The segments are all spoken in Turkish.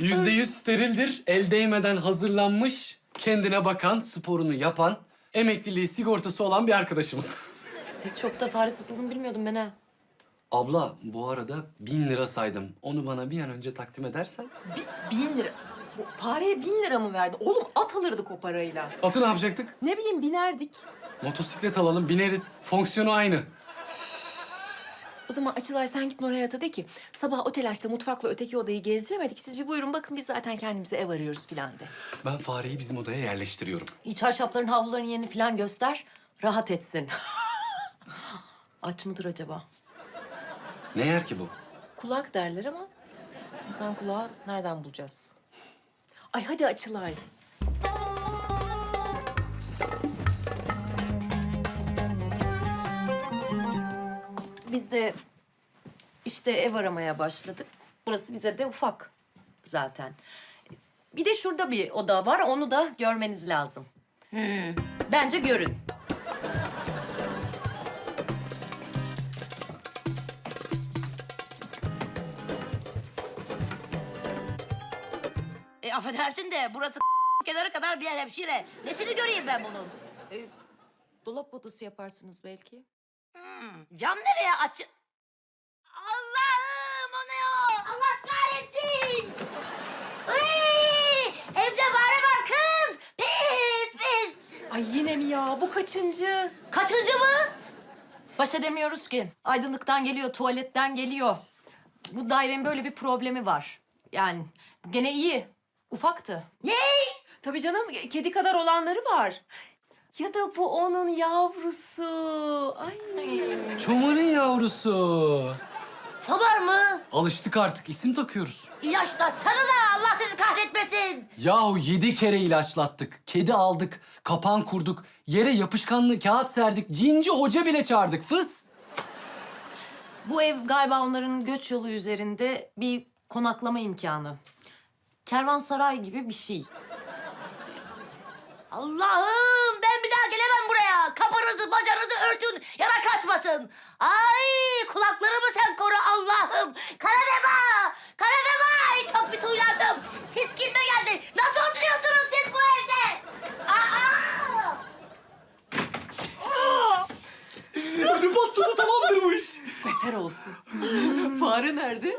%100 sterildir, el değmeden hazırlanmış, kendine bakan, sporunu yapan, emekliliği sigortası olan bir arkadaşımız. Pet Shop'ta fare satıldığını bilmiyordum ben ha. Abla, bu arada 1000 lira saydım. Onu bana bir an önce takdim edersen. 1000 lira. Bu fareye 1000 lira mı verdi? Oğlum at alırdık o parayla. Atı ne yapacaktık? Ne bileyim binerdik. Motosiklet alalım, bineriz. Fonksiyonu aynı. O zaman Açılay sen git Nur Hayat'a de ki sabah o telaşta mutfakla öteki odayı gezdiremedik. Siz bir buyurun bakın biz zaten kendimize ev arıyoruz filan de. Ben fareyi bizim odaya yerleştiriyorum. Çarşafların, havluların yerini filan göster. Rahat etsin. Aç mıdır acaba? Ne yer ki bu? Kulak derler ama insan kulağı nereden bulacağız? Ay hadi Açılay. Biz de işte ev aramaya başladık. Burası bize de ufak zaten. Bir de şurada bir oda var, onu da görmeniz lazım. Bence görün. Affedersin de burası kenarı kadar bir yer hemşire. Nesini göreyim ben bunun? Dolap odası yaparsınız belki. Cam nereye aç? Allah'ım o ne o? Allah kahretsin! Iy! Evde fare var kız! Pis pis! Ay yine mi ya? Bu kaçıncı? Kaçıncı mı? Baş edemiyoruz ki. Aydınlıktan geliyor, tuvaletten geliyor. Bu dairenin böyle bir problemi var. Yani gene iyi. Ufaktı. Ne? Tabii canım, kedi kadar olanları var. Ya da bu onun yavrusu. Ay. Çomar'ın yavrusu. Çobar mı? Alıştık artık, isim takıyoruz. İlaçlatsanıza Allah sizi kahretmesin. Yahu 7 kere ilaçlattık. Kedi aldık, kapan kurduk, yere yapışkanlı kağıt serdik, cinci hoca bile çağırdık. Fıs! Bu ev galiba onların göç yolu üzerinde bir konaklama imkanı. Kervansaray gibi bir şey. Allah'ım ben bir daha gelemem buraya. Kapınızı bacanızı örtün yara kaçmasın. Ay kulaklarımı sen koru Allah'ım. Karadema! Karadema! Ay çok bir tuylandım. Tiskinme geldi. Nasıl oturuyorsunuz siz bu evde? Aa! Ödü patladı, tamamdır bu iş. Beter olsun. Fare nerede?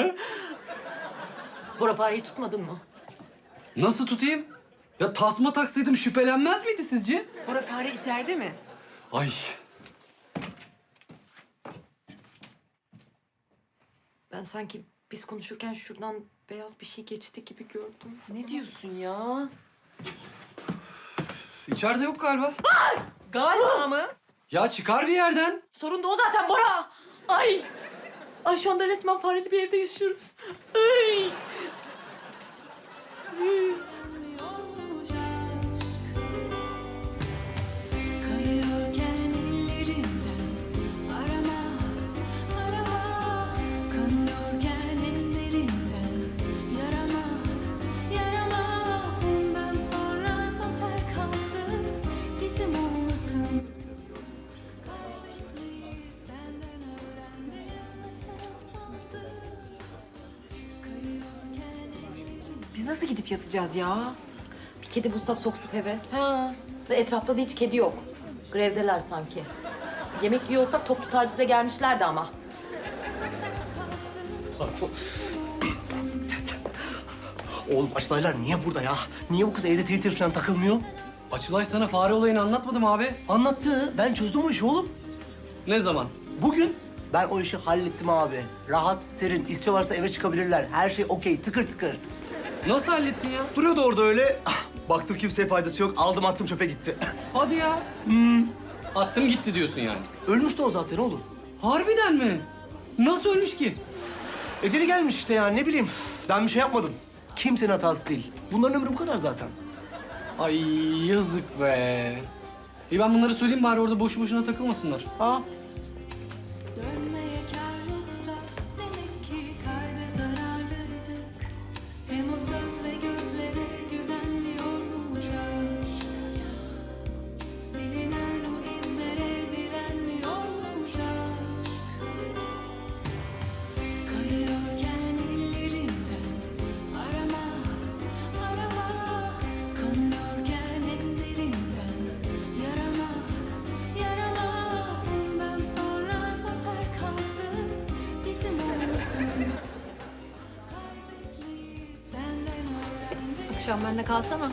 Bora fareyi tutmadın mı? Nasıl tutayım? Ya tasma taksaydım şüphelenmez miydi sizce? Bora fare içeride mi? Ay, Ben sanki biz konuşurken şuradan beyaz bir şey geçti gibi gördüm. Ne diyorsun ya? içeride yok galiba. Galiba mı? Ya çıkar bir yerden. Sorun da o zaten Bora. Ay. Ay şu anda resmen fareli bir evde yaşıyoruz. Ay. Yolmuş aşk, kayıyorken ellerimden arama, arama, kanıyorken ellerimden yarama, yarama. Bundan sonra zafer kalsın, bizim olmasın. Kaybetmeyi senden öğrendim, nasıl utansın. Kayıyorken ellerimden. Biz nasıl gidip yatacağız ya? Bir kedi bulsak soksak eve. Ha. Ve etrafta da hiç kedi yok. Grevdeler sanki. Yemek yiyorsak toplu tacize gelmişlerdi ama. Oğlum Açlaylar niye burada ya? Niye bu kız evde Twitter falan takılmıyor? Açılay sana fare olayını anlatmadım abi. Anlattı. Ben çözdüm o işi oğlum. Ne zaman? Bugün ben o işi hallettim abi. Rahat, serin. İstiyorlarsa eve çıkabilirler. Her şey okey, tıkır tıkır. Nasıl hallettin ya? Duruyordu orada öyle. Ah, baktım kimseye faydası yok. Aldım attım çöpe gitti. Hadi ya. Attım gitti diyorsun yani. Ölmüştü o zaten oğlum. Harbiden mi? Nasıl ölmüş ki? Eceli gelmiş işte ya ne bileyim. Ben bir şey yapmadım. Kimsenin hatası değil. Bunların ömrü bu kadar zaten. Ay yazık be. İyi ben bunları söyleyeyim bari orada boşu boşuna takılmasınlar. Ha? Dönmeye kâr yoksa demek ki kalbe zararlıydık. Hem o söz ve gözlere güvenmiyormuş aşk. Silinen o izlere direnmiyormuş aşk. Kayıyorken ellerimden arama, akşam bende kalsana.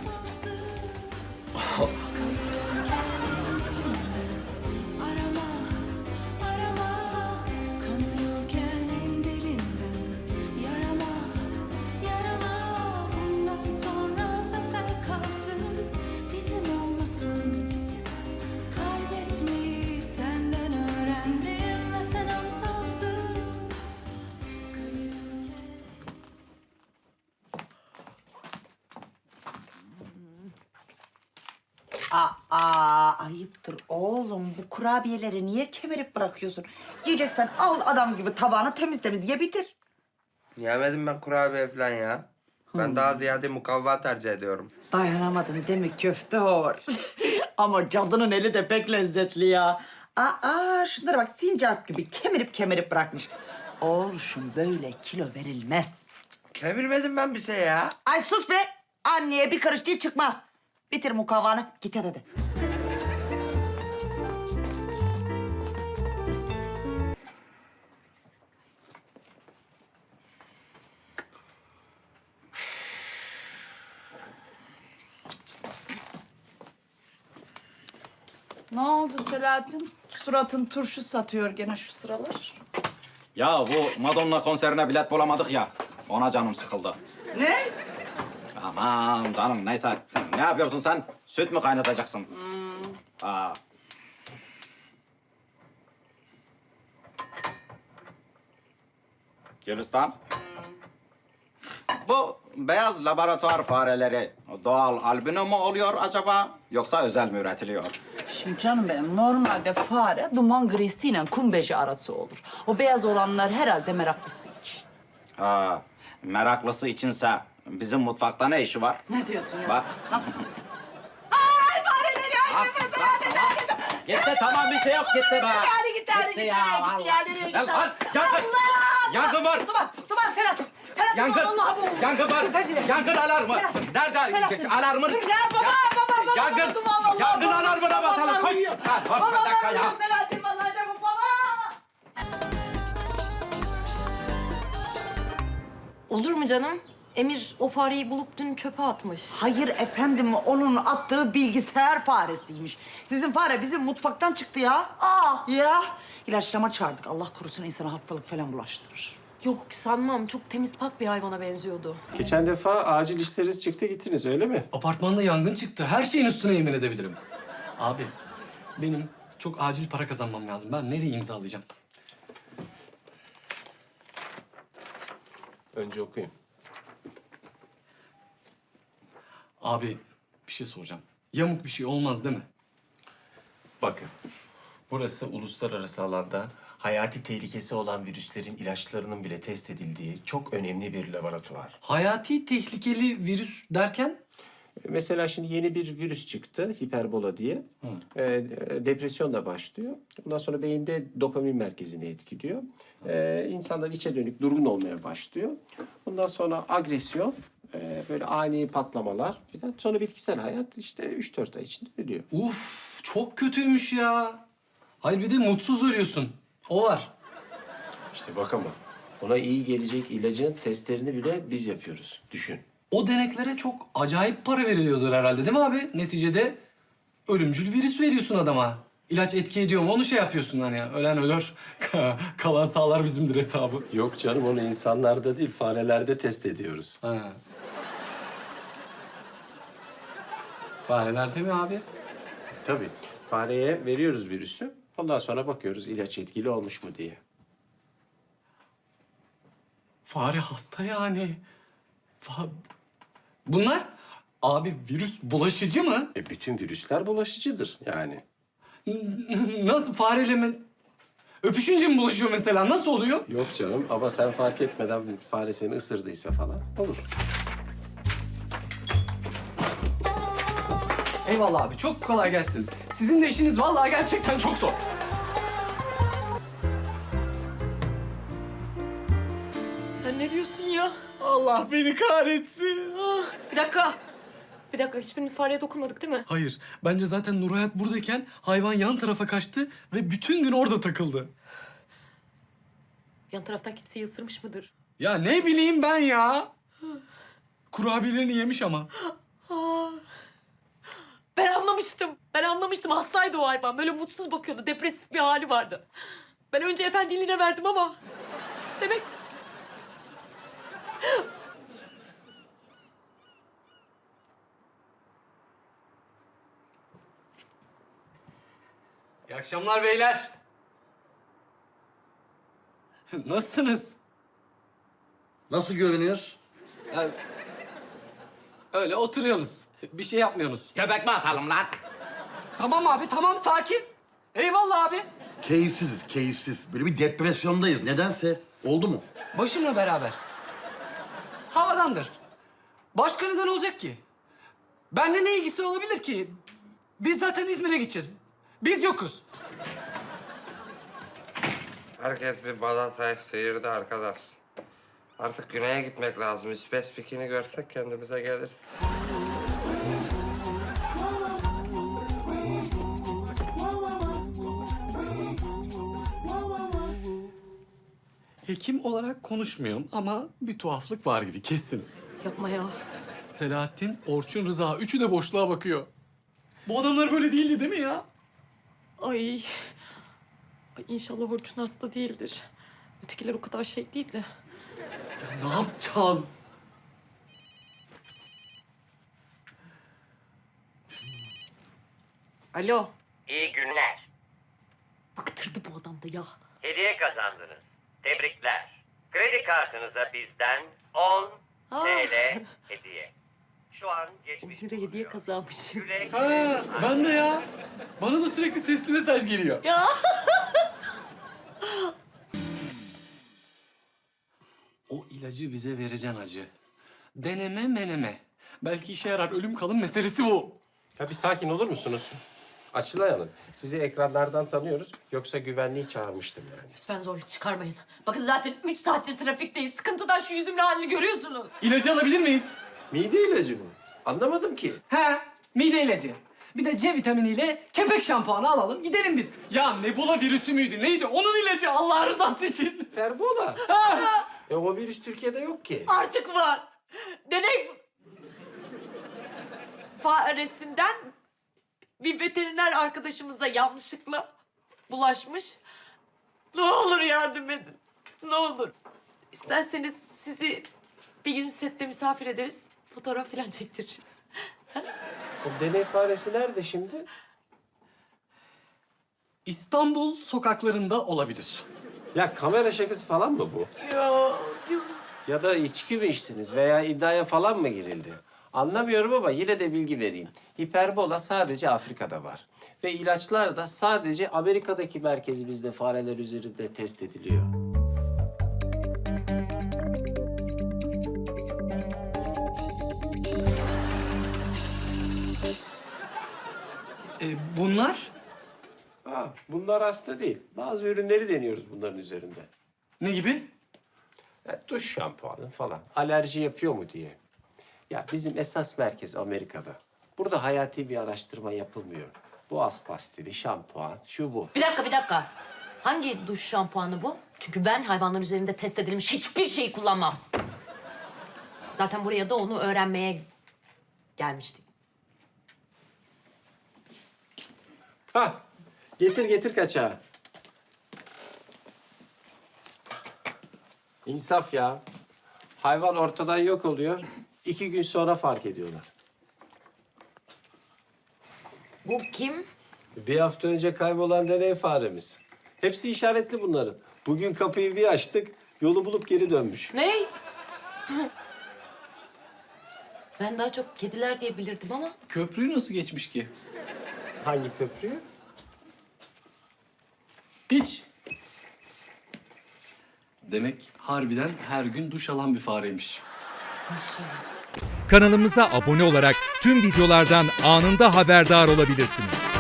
Arama, arama, kanıyorken en derinden. Yarama, yarama, bundan sonra zafer kalsın, bizim olmasın. Kaybetmeyi senden öğrendim ve sen aptalsın. Ayıptır oğlum. Bu kurabiyeleri niye kemirip bırakıyorsun? Yiyeceksen al adam gibi tabağını temiz temiz ye bitir. Yemedim ben kurabiye falan ya. Ben daha ziyade mukavva tercih ediyorum. Dayanamadın değil mi köftehor? Ama cadının eli de pek lezzetli ya. Şunlara bak sincap gibi kemirip bırakmış. Oğluşum böyle kilo verilmez. Kemirmedim ben bir şey ya. Ay sus be! Anneye bir karış değil çıkmaz. Bitir mukavvanı git yat hadi. Ne oldu Selahattin? Suratın turşu satıyor gene şu sıralar. Ya bu Madonna konserine bilet bulamadık ya. Ona canım sıkıldı. Ne? Aman canım neyse. Ne yapıyorsun sen? Süt mü kaynatacaksın? Aa. Gülistan. Bu beyaz laboratuvar fareleri doğal albino mu oluyor acaba? Yoksa özel mi üretiliyor? Şimdi canım benim normalde fare duman grisiyle kumbeci arası olur. O beyaz olanlar herhalde meraklısı için. Ha, meraklısı içinse bizim mutfakta ne işi var? Ne diyorsun ya? Bak. Nasıl? Ay fareler ya! Gitti tamam bir şey yok gitti be. Hadi gitti, hadi gitti, ya nereye gitti ya, vallahi. nereye gitti? Lan, yangın! Allah! Yangın var! Duman Selahattin! Selahattin Yangın! vallahi bu! Yangın var! Dur, ben gireyim. Yangın alarmı! Nerede? Selahattin. Alarmın! Dur ya baba! Yangın! Duman vallahi! Yangın alarmına basalım! Koy! Ha, hop, bir dakika ya! Selahattin vallahi çabuk baba! Olur mu canım? Emir o fareyi bulup dün çöpe atmış. Hayır efendim, onun attığı bilgisayar faresiymiş. Sizin fare bizim mutfaktan çıktı ya. Ya, ilaçlama çağırdık. Allah korusun insana hastalık falan bulaştırır. Yok sanmam. Çok temiz pak bir hayvana benziyordu. Geçen defa acil işleriniz çıktı gittiniz öyle mi? Apartmanda yangın çıktı. Her şeyin üstüne yemin edebilirim. Abi, benim çok acil para kazanmam lazım. Ben nereye imzalayacağım? Önce okuyun. Abi, bir şey soracağım. Yamuk bir şey olmaz değil mi? Bakın, burası uluslararası alanda hayati tehlikesi olan virüslerin ilaçlarının bile test edildiği çok önemli bir laboratuvar. Hayati tehlikeli virüs derken? Mesela şimdi yeni bir virüs çıktı, hiperbola diye. Depresyon da başlıyor. Ondan sonra beyinde dopamin merkezini etkiliyor. İnsanlar içe dönük, durgun olmaya başlıyor. Ondan sonra agresyon, böyle ani patlamalar falan. Sonra bitkisel hayat işte 3-4 ay içinde ölüyor. Uf, çok kötüymüş ya. Hayır bir de mutsuz ölüyorsun. O var. İşte bak ama ona iyi gelecek ilacın testlerini bile biz yapıyoruz. Düşün. O deneklere çok acayip para veriliyordur herhalde değil mi abi? Neticede ölümcül virüs veriyorsun adama. İlaç etki ediyor mu onu şey yapıyorsun hani ölen ölür, kalan sağlar bizimdir hesabı. Yok canım onu insanlarda değil farelerde test ediyoruz. Ha. Farelerde mi abi? Tabii. Fareye veriyoruz virüsü. Ondan sonra bakıyoruz ilaç etkili olmuş mu diye. Fare hasta yani. Bunlar abi virüs bulaşıcı mı? Bütün virüsler bulaşıcıdır yani. Nasıl fareyle mi? Öpüşünce mi bulaşıyor mesela? Nasıl oluyor? Yok canım ama sen fark etmeden fare seni ısırdıysa falan olur. Eyvallah abi çok kolay gelsin. Sizin de işiniz vallahi gerçekten çok zor. Sen ne diyorsun ya? Allah beni kahretsin. Ah. Bir dakika. Bir dakika hiçbirimiz fareye dokunmadık değil mi? Hayır, bence zaten Nurhayat buradayken hayvan yan tarafa kaçtı ve bütün gün orada takıldı. Yan taraftan kimseyi ısırmış mıdır? Ya ne bileyim ben ya. Kurabiyelerini yemiş ama. Ben anlamıştım. Hastaydı o hayvan. Böyle mutsuz bakıyordu. Depresif bir hali vardı. Ben önce efendiliğine verdim ama... Demek... İyi akşamlar beyler. Nasılsınız? Nasıl görünüyor? Yani, öyle oturuyorsunuz. Bir şey yapmıyorsunuz. Köpek mi atalım lan? Tamam abi, tamam sakin. Eyvallah abi. Keyifsiziz, keyifsiz. Böyle bir depresyondayız. Nedense. Oldu mu? Başımla beraber. Havadandır. Başka neden olacak ki? Benimle ne ilgisi olabilir ki? Biz zaten İzmir'e gideceğiz. Biz yokuz. Herkes bir balatayı sıyırdı arkadaş. Artık güneye gitmek lazım. Spesifik görsek kendimize geliriz. Hekim olarak konuşmuyorum ama bir tuhaflık var gibi kesin. Yapma ya. Selahattin, Orçun, Rıza üçü de boşluğa bakıyor. Bu adamlar böyle değildi değil mi ya? Ay inşallah Orçun hasta değildir. Ötekiler o kadar şey değil de. Ya ne yapacağız? Alo. İyi günler. Bıktırdı bu adam da ya. Hediye kazandınız. Tebrikler. Kredi kartınıza bizden 10 TL hediye. Şu an 10 geçmiş lira hediye kazanmışım. Güle Ha, ben de ya. Bana da sürekli sesli mesaj geliyor. Ya. O ilacı bize vereceksin hacı. Deneme meneme. Belki işe yarar, ölüm kalım meselesi bu. Ya bir sakin olur musunuz? Açılay Hanım, sizi ekranlardan tanıyoruz. Yoksa güvenliği çağırmıştım yani. Lütfen zorluk çıkarmayın. Bakın zaten 3 saattir trafikteyiz. Sıkıntıdan şu yüzümün halini görüyorsunuz. İlacı alabilir miyiz? Mide ilacı mı? Anlamadım ki. He, mide ilacı. Bir de C vitaminiyle kepek şampuanı alalım, gidelim biz. Ya Nebula virüsü müydü, neydi? Onun ilacı Allah rızası için. Ferbola. O virüs Türkiye'de yok ki. Artık var. Deney faresinden bir veteriner arkadaşımıza yanlışlıkla bulaşmış. Ne olur yardım edin. Ne olur. İsterseniz sizi bir gün sette misafir ederiz. Fotoğraf falan çektiririz. O deney faresi nerede şimdi? İstanbul sokaklarında olabilir. Ya kamera şakası falan mı bu? Ya da içki mi içtiniz veya iddiaya falan mı girildi? Anlamıyorum ama yine de bilgi vereyim. Hiperbola sadece Afrika'da var. Ve ilaçlar da sadece Amerika'daki merkezimizde fareler üzerinde test ediliyor. Bunlar Bunlar hasta değil. Bazı ürünleri deniyoruz bunların üzerinde. ne gibi? Ya, duş şampuanı falan. Alerji yapıyor mu diye. Ya bizim esas merkez Amerika'da. Burada hayati bir araştırma yapılmıyor. Boğaz pastili, şampuan, şu bu. Bir dakika. Hangi duş şampuanı bu? Çünkü ben hayvanlar üzerinde test edilmiş hiçbir şeyi kullanmam. Zaten buraya da onu öğrenmeye gelmiştik. Ha, getir kaçağı. İnsaf ya. Hayvan ortadan yok oluyor. 2 gün sonra fark ediyorlar. Bu kim? Bir hafta önce kaybolan deney faremiz. Hepsi işaretli bunların. Bugün kapıyı bir açtık, yolu bulup geri dönmüş. Ne? Ben daha çok kediler diye bilirdim ama. Köprüyü nasıl geçmiş ki? Hangi köprüyü? Hiç. Demek harbiden her gün duş alan bir fareymiş. Kanalımıza abone olarak tüm videolardan anında haberdar olabilirsiniz.